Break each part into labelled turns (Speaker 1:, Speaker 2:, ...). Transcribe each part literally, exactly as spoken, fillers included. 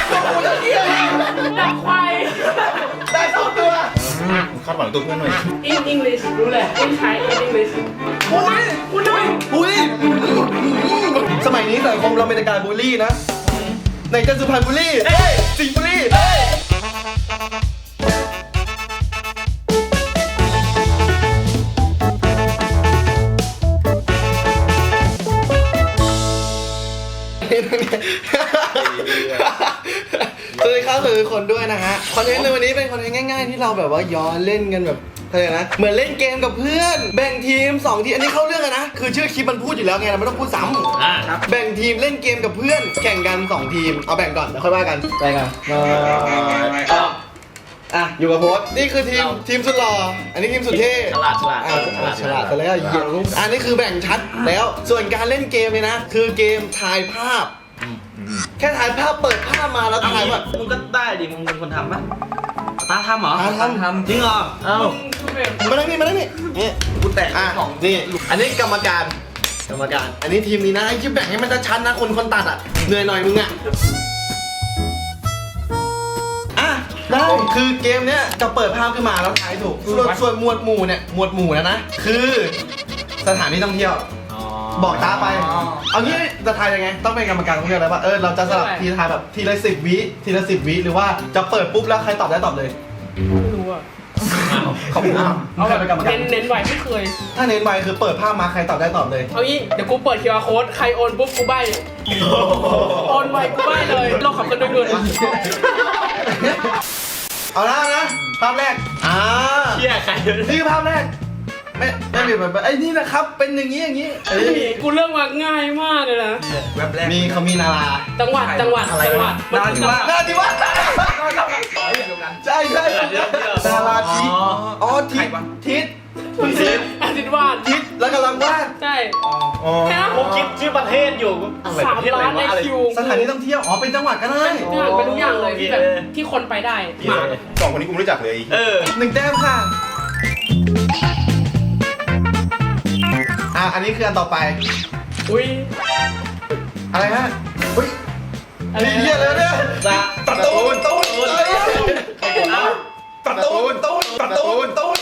Speaker 1: กูจะเที่ยว
Speaker 2: ดักควาย
Speaker 1: ได้สองตัว
Speaker 3: คาดหวังตัวเพื่อนหน่อย
Speaker 2: อินอังกฤษรู้แหละอินไทยอินอังกฤษ
Speaker 1: อุ้ย
Speaker 2: กูด้วย
Speaker 1: อุ้ยสมัยนี้สังคมเราเป็นการบูลลี่นะไหนจะสุพรรณบุรีเอ้ยสิงห์บุรีเอ้ยสวัสดีครับสวัสดีทุกคนด้วยนะฮะคอนเทนต์ในวันนี้เป็นคอนเทนต์ง่ายๆที่เราแบบว่าย้อนเล่นกันแบบอะไรนะเหมือนเล่นเกมกับเพื่อนแบ่งทีมสองทีมอันนี้เข้าเรื่องกันนะคือชื่อคลิปมันพูดอยู่แล้วไงเราไม่ต้องพูดซ้ำอ่าครับแบ่งทีมเล่นเกมกับเพื่อนแข่งกันสองทีมเอาแบ่งก่อนแล้วค่อยว่ากันแบ่งกันมาอ่ะอยู่กับโพสนี่คือทีมทีมสุดหล่ออันนี้ทีมสุดเท่ฉลาดฉลาดอ่าฉลาดแต่แล้วเหี้ยอันนี้คือแบ่งชัดแล้วส่วนการเล่นเกมเนี่ยนะคือเกมทายภาพแค่ถ่ายภาพเปิดภาพมาแล้วถ่ายว่า
Speaker 4: มึงก็ได้ดิ มึงเป็นคนทำปะตาทำเหรอ
Speaker 1: ตาทำ
Speaker 4: ทำจริงเหรอ เอ้า
Speaker 1: มานั่งนี่มานั่งนี่นี่กูแตกอ่ะนี่อันนี้กรรมการกรรมการ อันนี้ทีมนี้นะไอ้ที่แบ่งให้มันชัดนะคนคนตัดอ่ะเหนื่อยหน่อยมึงอ่ะอ่ะได้คือเกมเนี้ยจะเปิดภาพขึ้นมาแล้วถ่ายถูกส่วนส่วนหมวดหมู่เนี่ยหมวดหมู่นะนะคือสถานที่ท่องเที่ยวบอกตาไป เอางี้จะทายยังไง ต้องเป็นกรรมการต้องเลือกแล้วว่าเออเราจะสลับทีทายแบบทีละสิบวิทีละสิบวิหรือว่าจะเปิดปุ๊บแล้วใครตอบได้ตอบเลย
Speaker 2: ไม่รู้อ่ะ
Speaker 1: ขอบคุณครับ
Speaker 2: เอาแบบ
Speaker 1: เป็นกรรมการ
Speaker 2: เน้นเน้นไว้ไม่เคย
Speaker 1: ถ้าเน้นไวคือเปิดภาพมาใครตอบได้ตอบเลย
Speaker 2: เอางี้เดี๋ยวกูเปิด คิว อาร์ code ใครโอนปุ๊บกูใบโอนไวกูใบเลยเราขับกันด้วยเงิน
Speaker 1: เอาละนะภาพแรกอ่า
Speaker 4: เชี่ยใคร
Speaker 1: นี่คือภาพแรกไม่ไม่มีแบบไอ้นี่นะครับเป็นอย่างนี้อย่างนี้เอ้ย
Speaker 2: กูเรื่องมาง่ายมากเลยนะ
Speaker 4: แวบแรก
Speaker 1: มีเขามีนารา
Speaker 2: จังหวัดจังหวัดจังหวัด
Speaker 1: นาราธิวาสนาราธิวาสใช่ใช่นาราธิอ๋อทิศทิศทิศ
Speaker 2: อาทิตย์วาด
Speaker 1: ทิศแล้วกำลังวาด
Speaker 2: ใช่
Speaker 3: อ๋อ
Speaker 2: แค่นั้น
Speaker 4: กูคิดชื่อประเทศอยู่อะไร
Speaker 2: สา
Speaker 4: ป
Speaker 2: ม
Speaker 4: ระเทศอะไร
Speaker 2: ล้านใน
Speaker 4: วะอะไร
Speaker 2: คิว
Speaker 1: สถานที่ท่องเที่ยวอ๋อเป็นจังหวัดก็ได้
Speaker 2: ทุกอย่างเป็นทุกอย่างเลยที่แบบที่คนไปได้หมา
Speaker 3: สองคนนี้กูไม่รู้จักเลย
Speaker 4: เออ
Speaker 1: หนึ่งแต้มค่ะอ่ะอันนี้คืออันต่อไป
Speaker 2: อุ้ย
Speaker 1: อะไรฮะอุ้ย
Speaker 2: อะไร
Speaker 1: นี่เหี้ยเลยเนี่ย
Speaker 4: จะ
Speaker 1: ตัดตูนตูน
Speaker 4: เอ้า
Speaker 1: ตัดตูนตูนตัดตูนตูน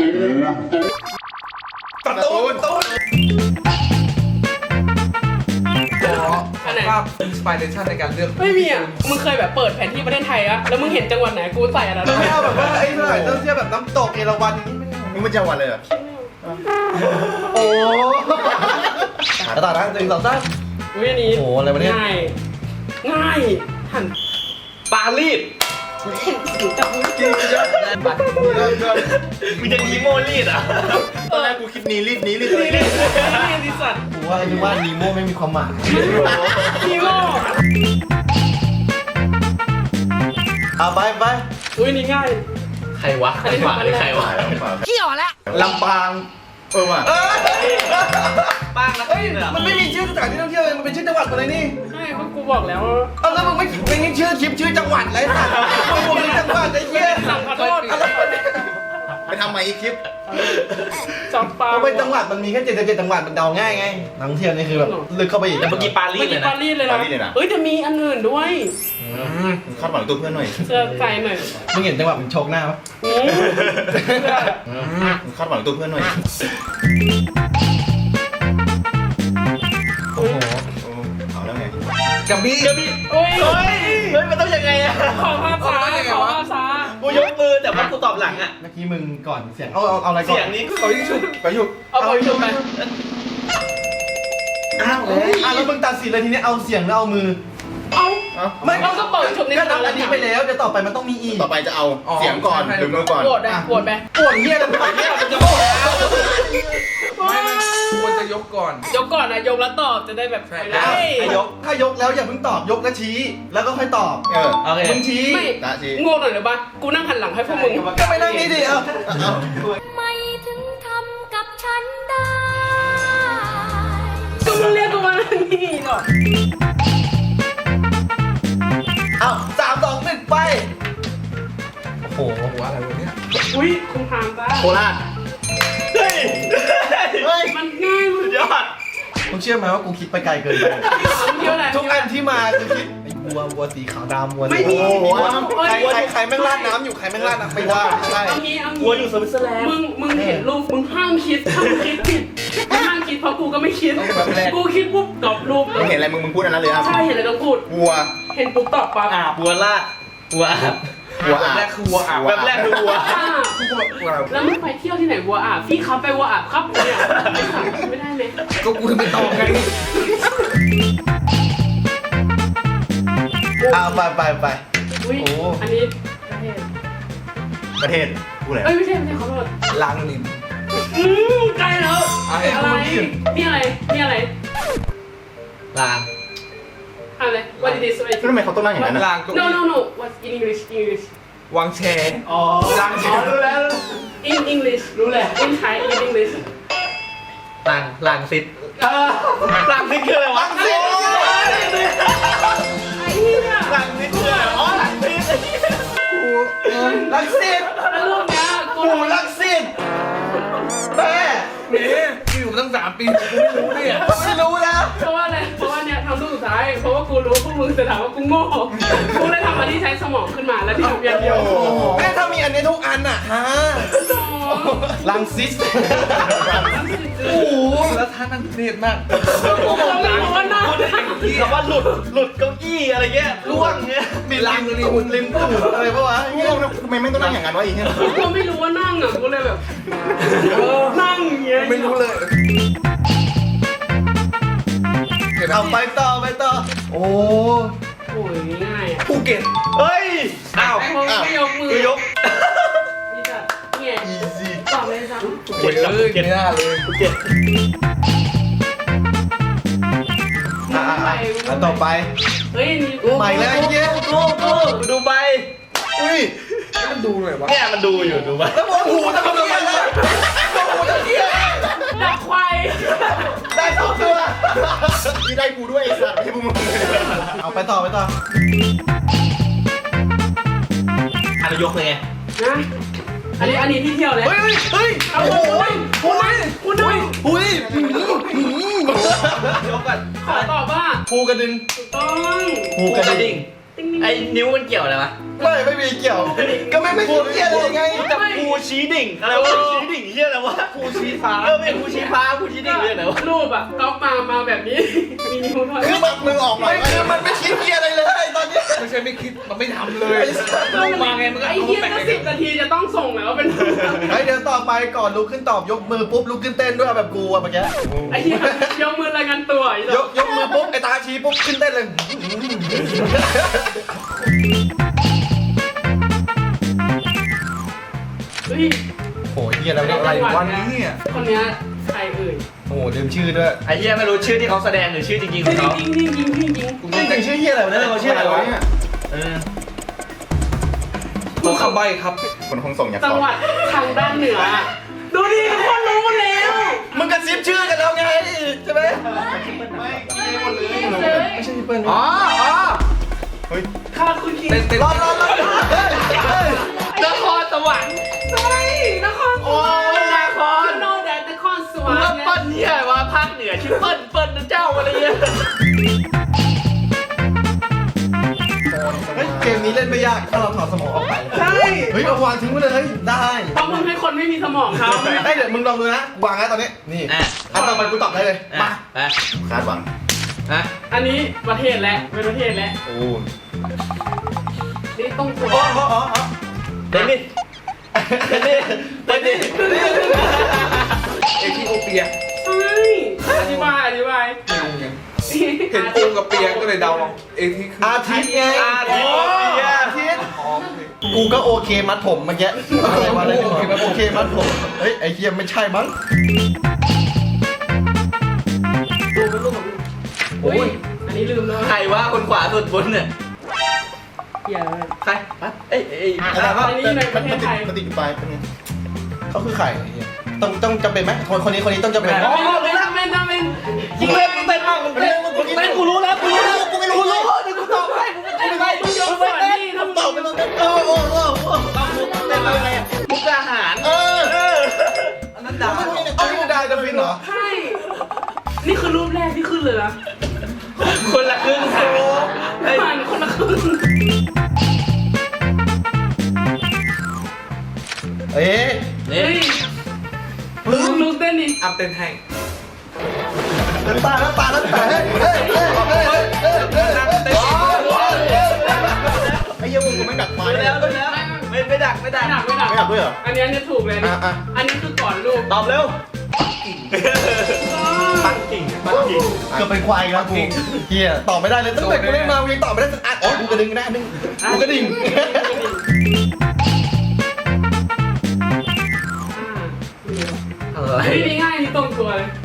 Speaker 1: ตัดตูนตูน
Speaker 2: อันไหน
Speaker 5: ภาพอินสปิเรชันในการเลือก
Speaker 2: ไม่มีอ่ะมึงเคยแบบเปิดแผนที่ประเทศไทยอะแล้วมึงเห็นจังหวัดไหนกูใส่อันนั้น
Speaker 1: เราไม่เอาแบบว่าไอ้หน่อยต้องเที่ยวแบบน้ำตกเอราวัณอย่างนี้ไม่เอา
Speaker 3: มึงไม่จังหวัดเลยเหรอ
Speaker 1: โอ้แล้วต่อนะหนึ่งสองสาม
Speaker 2: อุ้ยอันนี้
Speaker 1: โอ้โหอะไรวะเนี่ย
Speaker 2: ง่ายง่ายหัน
Speaker 4: ปารีส
Speaker 2: เห็นถึงจับมือ
Speaker 4: มึงจะทีโมรีดอ่ะ
Speaker 3: ตอนแรกกูคิดนีรีดนี้รีดอะไร
Speaker 2: นี่
Speaker 3: เนี่ย
Speaker 2: นี่ดิสัตว์
Speaker 1: กูว่าไอ้ที่ว่านีโม่ไม่มีความหมาย
Speaker 2: ฮีโร่
Speaker 1: อ่ะไปไป
Speaker 2: อุ้ยนี่ง่าย
Speaker 4: ใครวะ ใครวะหรือใครวะ
Speaker 3: ลำปางเออว่ะ
Speaker 1: เอ้ย
Speaker 4: ป้างนะ
Speaker 1: เฮ้ยมันไม่มีชื่อสถานที่ท่องเที่ยวเลยมันเป็นชื่อจังหวัดหมดเลยนี่
Speaker 2: ใช่เพราะกูบอกแล้วว่า
Speaker 1: เอาแล้วมึงไม่เป็นชื่อคลิปชื่อจังหวัดไรสัตว์มึงเป็นจังหวัดไอ้เหี้ย
Speaker 2: สั่งขอโทษ
Speaker 3: ไปทำใหม่อีกคลิป
Speaker 2: จับปลา
Speaker 1: เพราะเป็นจังหวัดมันมีแค่เจ็ดสิบเจ็ดจังหวัดมันเดาง่ายไงนักท่องเที่ยวนี่คือแบบลึกเข้าไปอีก
Speaker 4: แต่เมื่อกี้ปารี
Speaker 2: เมื่
Speaker 4: ส
Speaker 2: อ
Speaker 4: เล
Speaker 2: กี้
Speaker 4: ยนะ
Speaker 2: ปารีสเลยนะเอ้ยจะมีอันอื่นด้วย
Speaker 3: คาดหวังตัวเพื่อนหน่อย
Speaker 2: เสื้อใจหน่อย
Speaker 1: มึงเห็นจังหวัดมันโชกหน้าปะ
Speaker 2: อืมเสื้อ
Speaker 3: คาดหวังตัวเพื่อนหน่อย
Speaker 1: โอ้โห
Speaker 3: โอ้เอาแล้วไง
Speaker 5: กับบี้
Speaker 4: เดี๋ยวพี่
Speaker 2: โอ้ย
Speaker 4: เฮ้ย เฮ้ย มันต้องยังไงอะ
Speaker 2: ขอภาพช้าขอภาพช้า
Speaker 4: กูยกมือแต่ว่ากูตอบหลังอะ
Speaker 1: เมื่อกี้มึงก่อนเสียงเอาเอาเอาอะไรก่อน
Speaker 4: เสียงนี้กู
Speaker 5: เขายิ่งชุบ
Speaker 1: ไปอยู่
Speaker 2: เอาไปชมไป
Speaker 1: อ้าวอ่ะแล้วมึงตัดสินเลยทีนี้เอาเสียงแล้วเอามือ
Speaker 2: เอา
Speaker 3: เอ้า
Speaker 1: ไม่
Speaker 2: เราก็เปิดชมใน
Speaker 1: ก็นับ
Speaker 2: แล้
Speaker 1: อั
Speaker 2: วน
Speaker 1: นี้ไปแล้วเดี๋ยวต่อไปมันต้องมีอีก
Speaker 3: ต่อไปจะเอาเสียงก่อนหรือมือก่อน
Speaker 2: โหวตไปโหวตไป
Speaker 1: ปวดเหี้ยแล้วปวดเหี้ยมันจะโกรธ
Speaker 5: ไม่ไม่ควรจะยกก่อน
Speaker 2: ยกก่อนนะยกแล้วตอบจะได้แบบ
Speaker 5: ใช่
Speaker 2: ไปได้
Speaker 1: ถ้ายกถ้ายกแล้วอย่าเพิ่งตอบยกแล้วชี้ แล้วก็ค่อยตอบ
Speaker 3: เออ
Speaker 4: โอเค
Speaker 1: มึงชี้
Speaker 2: ไม่
Speaker 3: ตาชี
Speaker 2: งงหน่อยหรือปะกูนั่งหันหลังให้พวกมึง
Speaker 1: ก็ไปนั่งนี่ดิเอา
Speaker 3: เอา
Speaker 6: ไม่ถึงทำกับฉันได้
Speaker 2: กูเรียกกูมานั่งนี่หรอก
Speaker 1: เอาสามสองหนึ่งไปโอ้โห
Speaker 5: หัวอะไรวะเนี่ย
Speaker 2: อุ้ยคุณทามจ้า
Speaker 3: โคราช
Speaker 4: เฮ้ย เฮ้ย
Speaker 2: มันง่ายมัน
Speaker 4: สุดยอด
Speaker 1: มึงเชื่อไหมว่ากูคิดไปไกลเกินไป
Speaker 2: เที่ยวอะไร
Speaker 1: ทุกอันที่มาคือคิดวัววัวสีขาวดำวัว
Speaker 2: ไม่มี
Speaker 1: โอ้โห
Speaker 2: เอ้ย
Speaker 1: ใครใครใครแม่งราดน้ำอยู่ใครแม่งราดน้ำไม่ได้ไม่ใช่
Speaker 2: เอางี้เอา
Speaker 4: กลัวอ
Speaker 2: งี้
Speaker 4: ยู่สวิตเซอร์แลนด์
Speaker 2: มึงมึงเห็นรูปมึงห้ามคิดห้ามคิดผิดมึงห้ามคิดเพราะกูก็ไม่คิดกูคิดปุ๊บตอบรูปเล
Speaker 3: มึง
Speaker 2: ย
Speaker 3: เห็นอะไรมึงมึงพูดอันนั้นเลยอ่ะ
Speaker 2: ใช่เห็นอะไรก็พูด
Speaker 3: วัว
Speaker 2: เห็นปุ๊บตอบปั๊บ
Speaker 4: อาบวัวลาดวัวอาบ
Speaker 3: วัว
Speaker 5: แบบ
Speaker 3: อ่ะ
Speaker 5: แรกคือวัวอาบ
Speaker 4: แบบแรกคือวัว
Speaker 2: อ่าแล้วมึงไปเที่ยวที่ไหนวัวอาบพี่ครับไปวัวอาบครับเนี่ยไอ้สัตว์ไม่ได้เลย
Speaker 5: ก็กูจะไปตอบไง
Speaker 1: เอาไปไปไป
Speaker 2: อุ้ย
Speaker 1: โอ้
Speaker 2: อันนี้ประเทศ
Speaker 3: ประเทศพูดอะไร
Speaker 2: เอ้ยไม่ใช่ไม่ใช่ขอโทษ
Speaker 5: ลังนิน
Speaker 2: อืมใกล้แล้ว
Speaker 5: อะไร
Speaker 2: อะไร
Speaker 5: เมื่อกี้
Speaker 2: นี่อะไรนี่อะไร
Speaker 4: ลาง
Speaker 2: อะไร what it is what it
Speaker 3: แล้วทำไมเขาต้องนั่งอย่างนั้น
Speaker 5: ลั
Speaker 3: อ่ะ
Speaker 5: งก็
Speaker 2: no no no what's in English English
Speaker 5: วางแชร์
Speaker 2: อ๋อ
Speaker 5: ลังแชร์รู้แล้ว
Speaker 2: in English รู้แหละ in Thai in English
Speaker 4: ลางลางซิดลางซิดคืออะไรวะ
Speaker 2: ไอ้เหี้ย
Speaker 4: ลางซิดคืออะไรอ๋อลางซิด
Speaker 1: ลักซิด
Speaker 2: แล้วรูปเนี้ยกู
Speaker 1: หมูลักซิดแม่
Speaker 5: นี่กูอยู่มาตั้งสามปีกูไม่รู้เนี่ย
Speaker 1: ไม่รู้แล้ว
Speaker 2: เพราะว่าอะไรเพราะว่าเนี่ยทำรูปสุดท้ายเพราะว่ากูรู้ว่าพวกมึงจะถามว่ากูโง่กูเลยทำอันที่ใช้สมองขึ้นมาแล้วที่ทำอย่างเดียว
Speaker 1: แม่ถ้ามีอันนี้ทุกอันอ่ะฮะลังซิส
Speaker 5: โอ้โหแล้วท่านั่งเนียดมาก
Speaker 2: กูก็ไม่รู้ว่าหน้า
Speaker 4: คำว่าหลุดหลุดเก้าอี้อะไรเงี้ยล่วงเงี้ย
Speaker 1: มีลังริมริมตูดอะไรปะวะ
Speaker 3: ง่วงนะทำไมไม่ต้องนั่งอย่างนั้นวะอีกเนี่ย
Speaker 2: กูก็ไม่รู้ว่านั่งอ่ะกูเลยแบบนั่งอย่างเงี้ย
Speaker 5: ไม่รู้เลย
Speaker 1: เอาไปต่อไปต่อโอ้
Speaker 2: โอ้ยง่ายอ่ะ
Speaker 5: ภูเก็ต
Speaker 4: เฮ้ยอ้าว
Speaker 2: ไอ้พวกไม่ยกมือ
Speaker 4: คือยก
Speaker 2: นี่จ้ะเนี่ย
Speaker 1: อีซี่
Speaker 2: ตอบเลยซ้
Speaker 5: โอ้ยเอ้ยไม่น่าเลย
Speaker 4: เจ็ด
Speaker 2: ำ
Speaker 1: อ่ะอ่ะอ่ะอันต่อไป
Speaker 2: เฮ้ยนี่
Speaker 1: ใหม่แล้วไอ้เหี้ย
Speaker 4: กูกูดูใบ
Speaker 1: อุ้ย
Speaker 5: มันดูหน่อยวะ
Speaker 4: เนี่ยมันดูอยู่ดูใบ
Speaker 1: แล้วโอ้โหทำไมทำไมนะโอ้โหตะเกียบ
Speaker 2: ดักควาย
Speaker 1: ได้สองตัว
Speaker 3: นี่ได้กูด้วยไอ้สัตว์ไม่ใช่พวกมึง
Speaker 1: เอาไปต่อไปต่อ
Speaker 4: อันนี้ยกเลยไง
Speaker 2: นะอันนี้อันนี้ที่เที่ยวเลย
Speaker 1: เฮ้ยเฮ้ย
Speaker 2: เอาโอ้ยคุณนั่งคุณนั่ง
Speaker 1: อุ้ย
Speaker 4: ยกก่อน
Speaker 2: ขอตอบว่า
Speaker 1: ภูกระดึง
Speaker 2: ถูกต้อง
Speaker 1: ภูกระดิ่ง
Speaker 2: ติ๊งติ๊ง
Speaker 4: ไอ้นิ้วมันเกี่ยวอะไรวะ
Speaker 1: ไม่ไม่มีเกี่ยว ก็ไม่ไม่เกี่ยวเลยไง
Speaker 4: แต่ภูชี้ดิ่งอะไรวะชี้ดิ่งเฮียอะไรวะภูชี้ฟ้าเออไม่ภูชี้ฟ้าภูชี้ดิ่งเรื่องไหนวะ
Speaker 2: รูปอ่ะก๊อปมามาแบบนี้ มีนิ้วด้วย
Speaker 1: คือแบบมือออกหน่อยคือมันไม่คิดเกียร์อะไรเลยตอนนี้
Speaker 5: ไม่ใช่ไม่คิดมันไม่ทำเลยลงมาไงมันก็
Speaker 2: ไอ้
Speaker 5: เอา
Speaker 2: เหี้ย
Speaker 5: แปะ
Speaker 2: ก็สิบนาทีจะต้องส่งแล้วเป็น
Speaker 1: เฮ้ยเดี๋ยวต่อไปก่อนลุกขึ้นตอบยกมือปุ๊บลุกขึ้นเต้นด้วยแบบกูอะเมื่อกี้
Speaker 2: ไอ้เหี้ยยกมือรายงานตัวอี
Speaker 1: ยกยกมือปุ๊บไอ้ตาชี้ปุ๊บขึ้นเต้นเลย
Speaker 2: เฮ้ย
Speaker 1: โอ้ยเฮียแล้ว
Speaker 5: อะ
Speaker 1: อะไร ไร
Speaker 5: วันนี้เนี่ย
Speaker 2: คนเนี้ยใครเอ่ย
Speaker 1: โอ้ลืมชื่อด้วย
Speaker 4: ไอ้เฮียไม่รู้ชื่อที่เขาแสดงหรือชื่อจริงๆของเขา
Speaker 2: จริงจริงจริงจริงจริง
Speaker 1: จริงๆชื่อเฮียอะไรวะ
Speaker 4: เอ
Speaker 1: เนี่ย
Speaker 4: อเขาชื่ออะไรวะเออ
Speaker 5: ตัวคำใบ้ครับ
Speaker 3: คนคงส่งอยาก
Speaker 2: จั
Speaker 3: ต
Speaker 2: ง
Speaker 3: อบ
Speaker 2: หวัดทางด้านเหนือ ดูดิทุกคนรู้หมดแล้ว
Speaker 1: มึงกระซิบชื่อกันแล้วไงใช่ไหม
Speaker 2: เลย
Speaker 1: ไม่ใช่พี่เปิ้ล
Speaker 5: อ๋ออ๋อ
Speaker 3: เฮ้ย
Speaker 2: ค่ะคุณคิง
Speaker 5: เต้นเต้น
Speaker 1: รอรอรอเฮ้ยเฮ้ย
Speaker 4: นครสวรรค์
Speaker 2: ใช่นครสวรรค์
Speaker 4: นคร
Speaker 2: โนแดนนครสวร
Speaker 4: กู
Speaker 2: ร
Speaker 4: ว่า
Speaker 2: ค์
Speaker 4: เปิ้ลเนี่ยว่าภาคเหนือชื่อเปิ้ลเปิ้ลนะเจ้าอะไรเงี้ย
Speaker 1: เฮ้ยเกมนี้เล่นไม่ยากถ้าเราถอดสมองออกไป
Speaker 2: ใช่
Speaker 1: เฮ้ยเอาวางทิ้งไว้เลยเฮ้ยได้
Speaker 2: เพราะมึงให้คนไม่มีสมองเขา
Speaker 1: เฮ้ยเดี๋ยวมึงลองดูนะวางแล้วตอนนี้นี่อันต่อไปกูตอบได้เลยมา
Speaker 4: ไป
Speaker 3: คาดหวัง
Speaker 4: ฮะ
Speaker 2: อันนี้ประเทศแล้วเป็นประเทศแล้ว
Speaker 3: โอ้
Speaker 2: นี่ต้องตัว
Speaker 1: อ๋ออ๋ออ๋ออ๋อ
Speaker 4: เต้นดิเต้นดิเต้นดิ
Speaker 5: เอธิโอเปีย
Speaker 2: ใช่อธิบายอธิบาย
Speaker 5: ไม่รู้ไงเห็นปูกับเปียก็เลยเดาเอาเอธิคือ
Speaker 1: อาทิตย์ไง
Speaker 4: อาทิตย์
Speaker 1: อาทิตย์กูก็โอเคมัดผมเมื่อกี้อะไรวะอะไรไม่รู้โอเคมัดผมเฮ้ยไอ้เฮียไม่ใช่มั้ง
Speaker 2: ดูเป็นรูปของโอ้ยอันนี้ลืมแล้ว
Speaker 4: ใครว่าคนขวาสุดบนเนี่ย
Speaker 2: เหี้ยเลย
Speaker 4: ใครเอ้ยเอ้ย
Speaker 1: อะไรวะ
Speaker 2: อันนี้ในประเทศไทย
Speaker 3: ปฏิกิริยาเป็นไง
Speaker 1: เขาคือใครไอ้เหี้ยต้องต้องจำเป็นไหมคนคนนี้คนนี้ต้องจำเป็นไหม
Speaker 2: อ๋อเป็นเป็นเป็น
Speaker 4: มึงเต้นมึงเต้นมากมึงเต้นมึงเต้นกูรู้แล้วกูรู้แล้วกูไม่รู้เลยเดี๋ยวกูตอบให้มึงเต้นไป
Speaker 2: มึงยกส่วนนี่ถ้ามึง
Speaker 1: ตอบไปเลยเออโอ้โห
Speaker 4: ต้องมุกเต้นอะไรอ่ะมุกอาหาร
Speaker 1: เออ
Speaker 4: เออ
Speaker 5: อันนั้นดา
Speaker 1: เอาที่มึงได้จะฟินเหรอ
Speaker 2: ใช่ นี่คือรูปแรกที่ขึ้นเลยนะ
Speaker 4: คนละครึ่งค่ะ
Speaker 2: ผ่านคน
Speaker 5: อัพเต้นให้
Speaker 1: น้ำตาน้ำตาน้ำตาเฮ้ยเฮ้ยเฮ้ยเฮ้ยเฮ้ยเฮ้ยเฮ้ย
Speaker 5: นั่งเต้น
Speaker 3: ไอ้เหี้ยมึงกูไม่ดักไม้
Speaker 4: รู้
Speaker 3: เลย
Speaker 4: แล้วรู้แล้วไม่ไม่ดักไม่ดัก
Speaker 2: ไม่ดักไม่ดัก
Speaker 3: ไม่ดักด้วยเหรอ
Speaker 2: อันนี้อันนี้ถูกเลยนะ
Speaker 1: อ่ะอ่ะ
Speaker 2: อันนี้คือก่อนลูก
Speaker 4: ตอบเร็วปักกิ่งปักกิ่ง
Speaker 1: เกือบเป็นควายอีกแล้วกูเฮียตอบไม่ได้เลยตั้งแต่กูเล่นมากูยังตอบไม่ได้สักอันอ๋อกูกระดึงได้นึงกูกระดิ่ง
Speaker 5: อะไร
Speaker 2: อ่านี่ง่ายนี่ตรงตัวเลย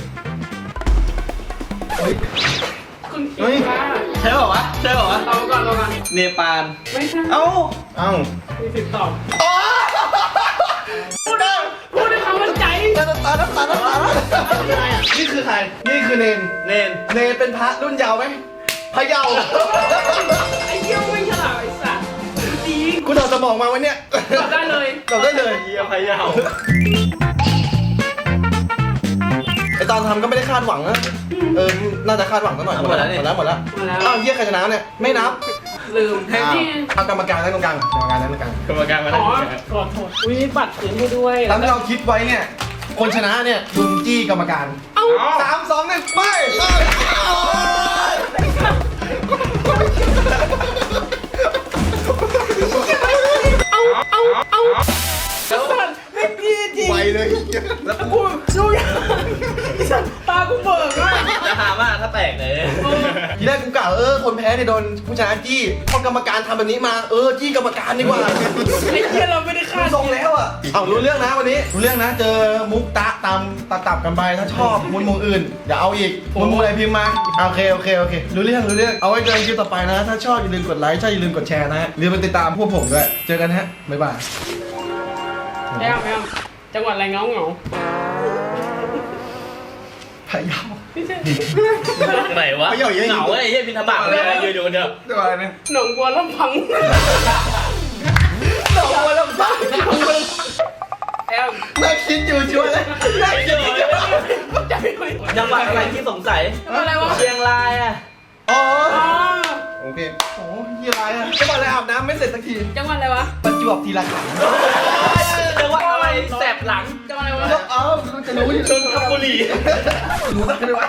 Speaker 2: คุณคิดว่า
Speaker 4: ใช่เปล่าวะใช่เปล่าวะ
Speaker 2: เราก่อนเราก่อน
Speaker 4: เนปาล
Speaker 2: ไม่ใช่
Speaker 4: เอ้า
Speaker 3: เอ้า
Speaker 2: มีสิทธิ์ตอบ
Speaker 1: อ๋อ
Speaker 2: พูดได้พูดด้วยความมั่นใจ
Speaker 1: น้ำตาน้ำตาน้ำตานี่คือใครนี่คือเนน
Speaker 4: เนน
Speaker 1: เนนเป็นพระรุ่นเยาว์ไหมพระเยาว์
Speaker 2: ไอ้เหี้ยไม่ฉลาดไอ้สัตว์จริง
Speaker 1: กูถอดสมองมาวันเนี้ย
Speaker 2: ตอบได้เลย
Speaker 1: ตอบได้เลย
Speaker 4: เฮียพะเยา
Speaker 1: ไอตอนทำก็ไม่ได้คาดหวังนะเออน่าจะคาดหวังสักหน่อยหมดแล้วหมดแล้วหมดแล้ว
Speaker 2: มาแล้ว
Speaker 1: อ้าวเฮียใครชนะเนี่ยไม่นับ
Speaker 2: ลืม
Speaker 1: อ้าว
Speaker 2: ที่
Speaker 1: เอากรรมการนั่งตรงกลางกรรมการนั่งตรงกลาง
Speaker 4: กรรมการมา
Speaker 2: อ๋
Speaker 4: ได้
Speaker 2: อโทษโทษอุ้ยบัตรคืนให้ด้วย
Speaker 1: ตามที่เราคิดไว้เนี่ยคนชนะเนี่ยลุงจี้กรรมการ
Speaker 2: เอ้า
Speaker 1: สามสองหนึ่งไปเอ้ยเอ้ย
Speaker 2: เอ้าเอ้าเอ้า
Speaker 3: ไวเลย
Speaker 2: แล้วกูดูยังตากูเบิกเลย
Speaker 4: จะหาว่าถ้าแตกเลย
Speaker 1: ทีแรกกูกล่าวเออคนแพ้เนี่ยโดนผู้ชนะจี้พอกรรมการทำแบบนี้มาเออจี้กรรมการดีกว่า
Speaker 2: ไอ้เหี้ยเราไม่ได้คาด
Speaker 1: ทรงแล้วอ่ะเอารู้เรื่องนะวันนี้รู้เรื่องนะเจอมุกตะตามตัดตับกันไปถ้าชอบมุนมุมอื่นอย่าเอาอีกมุนมุมอะไรพิมพ์มาโอเคโอเคโอเครู้เรื่องรู้เรื่องเอาไว้เจอกันคลิปต่อไปนะ ถ้าชอบอย่าลืมกดไลค์ใช่อย่าลืมกดแชร์นะฮะอย่าลืมไปติดตามพวกผมด้วยเจอกันฮะบ๊ายบาย
Speaker 2: ไม่เอาไม่เอาจังหวัดอะไรเงาเงา
Speaker 1: พะเยา
Speaker 2: ไม่ใช่
Speaker 4: ไหนวะเหงาไอ้เฮียพินทบาทเลยยืนอยู่คนเดียว
Speaker 5: ตัวอะไรเนี่ย
Speaker 2: หนองบัวลำพัง
Speaker 1: หนองบัวลำพู
Speaker 2: แอม
Speaker 1: น่าคิดอยู่ชัวร์เลยน่าคิดอยู่ชัวร์
Speaker 2: จะไม่คุย
Speaker 4: จังหวัดอะไรที่สงสัย
Speaker 2: อะไรวะ
Speaker 4: เชียงรายอ่ะ
Speaker 1: อ๋อ
Speaker 2: อ๋อ
Speaker 3: โอเค
Speaker 1: โอ้ยยี่ไรอ่ะจังหวัดอะไรอาบน้ำไม่เสร็จสักที
Speaker 2: จังหวัดอะไรวะ
Speaker 1: ประจวบทีละขัน
Speaker 4: จังหวัดอะไรแสบหลัง
Speaker 2: จังหวัดอะไรวะ
Speaker 1: เอ้าจะรู้อยู่
Speaker 4: ชนบุรี
Speaker 1: รู้สักเลยวะ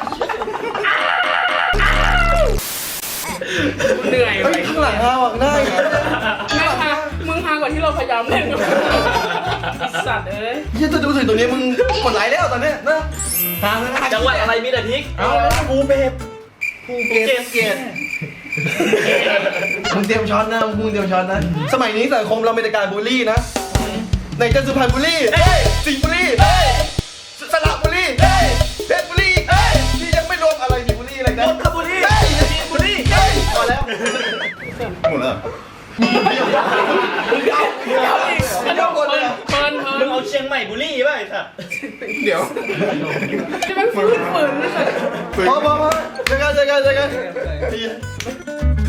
Speaker 2: เหนื่อย
Speaker 1: เฮ้ยข้างหลังฮาว่ะได้
Speaker 2: ไม่ฮะมึงฮากว่าที่เราพยายามเล่นกันสัตว์เอ้ย
Speaker 1: ยี่จะดูถึงตรงนี้มึงกดไลค์แล้วตอนเนี้ยนะฮาเลยนะ
Speaker 4: จังหวัดอะไรมีแต่พริก
Speaker 1: เอาแล้วภูเก็ตภูเก็ตเก็ตมึงเตรียมช้อนนะมึงเตรียมช้อนนะ สมัยนี้สังคมเราเป็นแต่การบูลลี่นะไหนจะสุพรรณบุรีเฮ้ยสิงห์บุรีเฮ้ยสระบุรีเฮ้ยเพชรบุรีเฮ้ยนี่ยังไม่รวมอะไรสิงห์บุรีอะไร
Speaker 4: น
Speaker 1: นะ
Speaker 4: นทบุรี
Speaker 1: เฮ้ย
Speaker 4: มีนบุรี
Speaker 1: เฮ้ยพอแล้ว
Speaker 3: หมดแล้ว
Speaker 1: เอาอีกอันนี้คนเลย
Speaker 2: เปินเปิ
Speaker 4: มึ
Speaker 2: น
Speaker 4: งเอาเชียงใหม่บุรีป่ะไอ้สัส
Speaker 3: เดี๋ยว
Speaker 2: จะไม่ฟื้นฝืนเลยสัตว์
Speaker 1: พอพอพอเจอกันเจอกันเจอกัน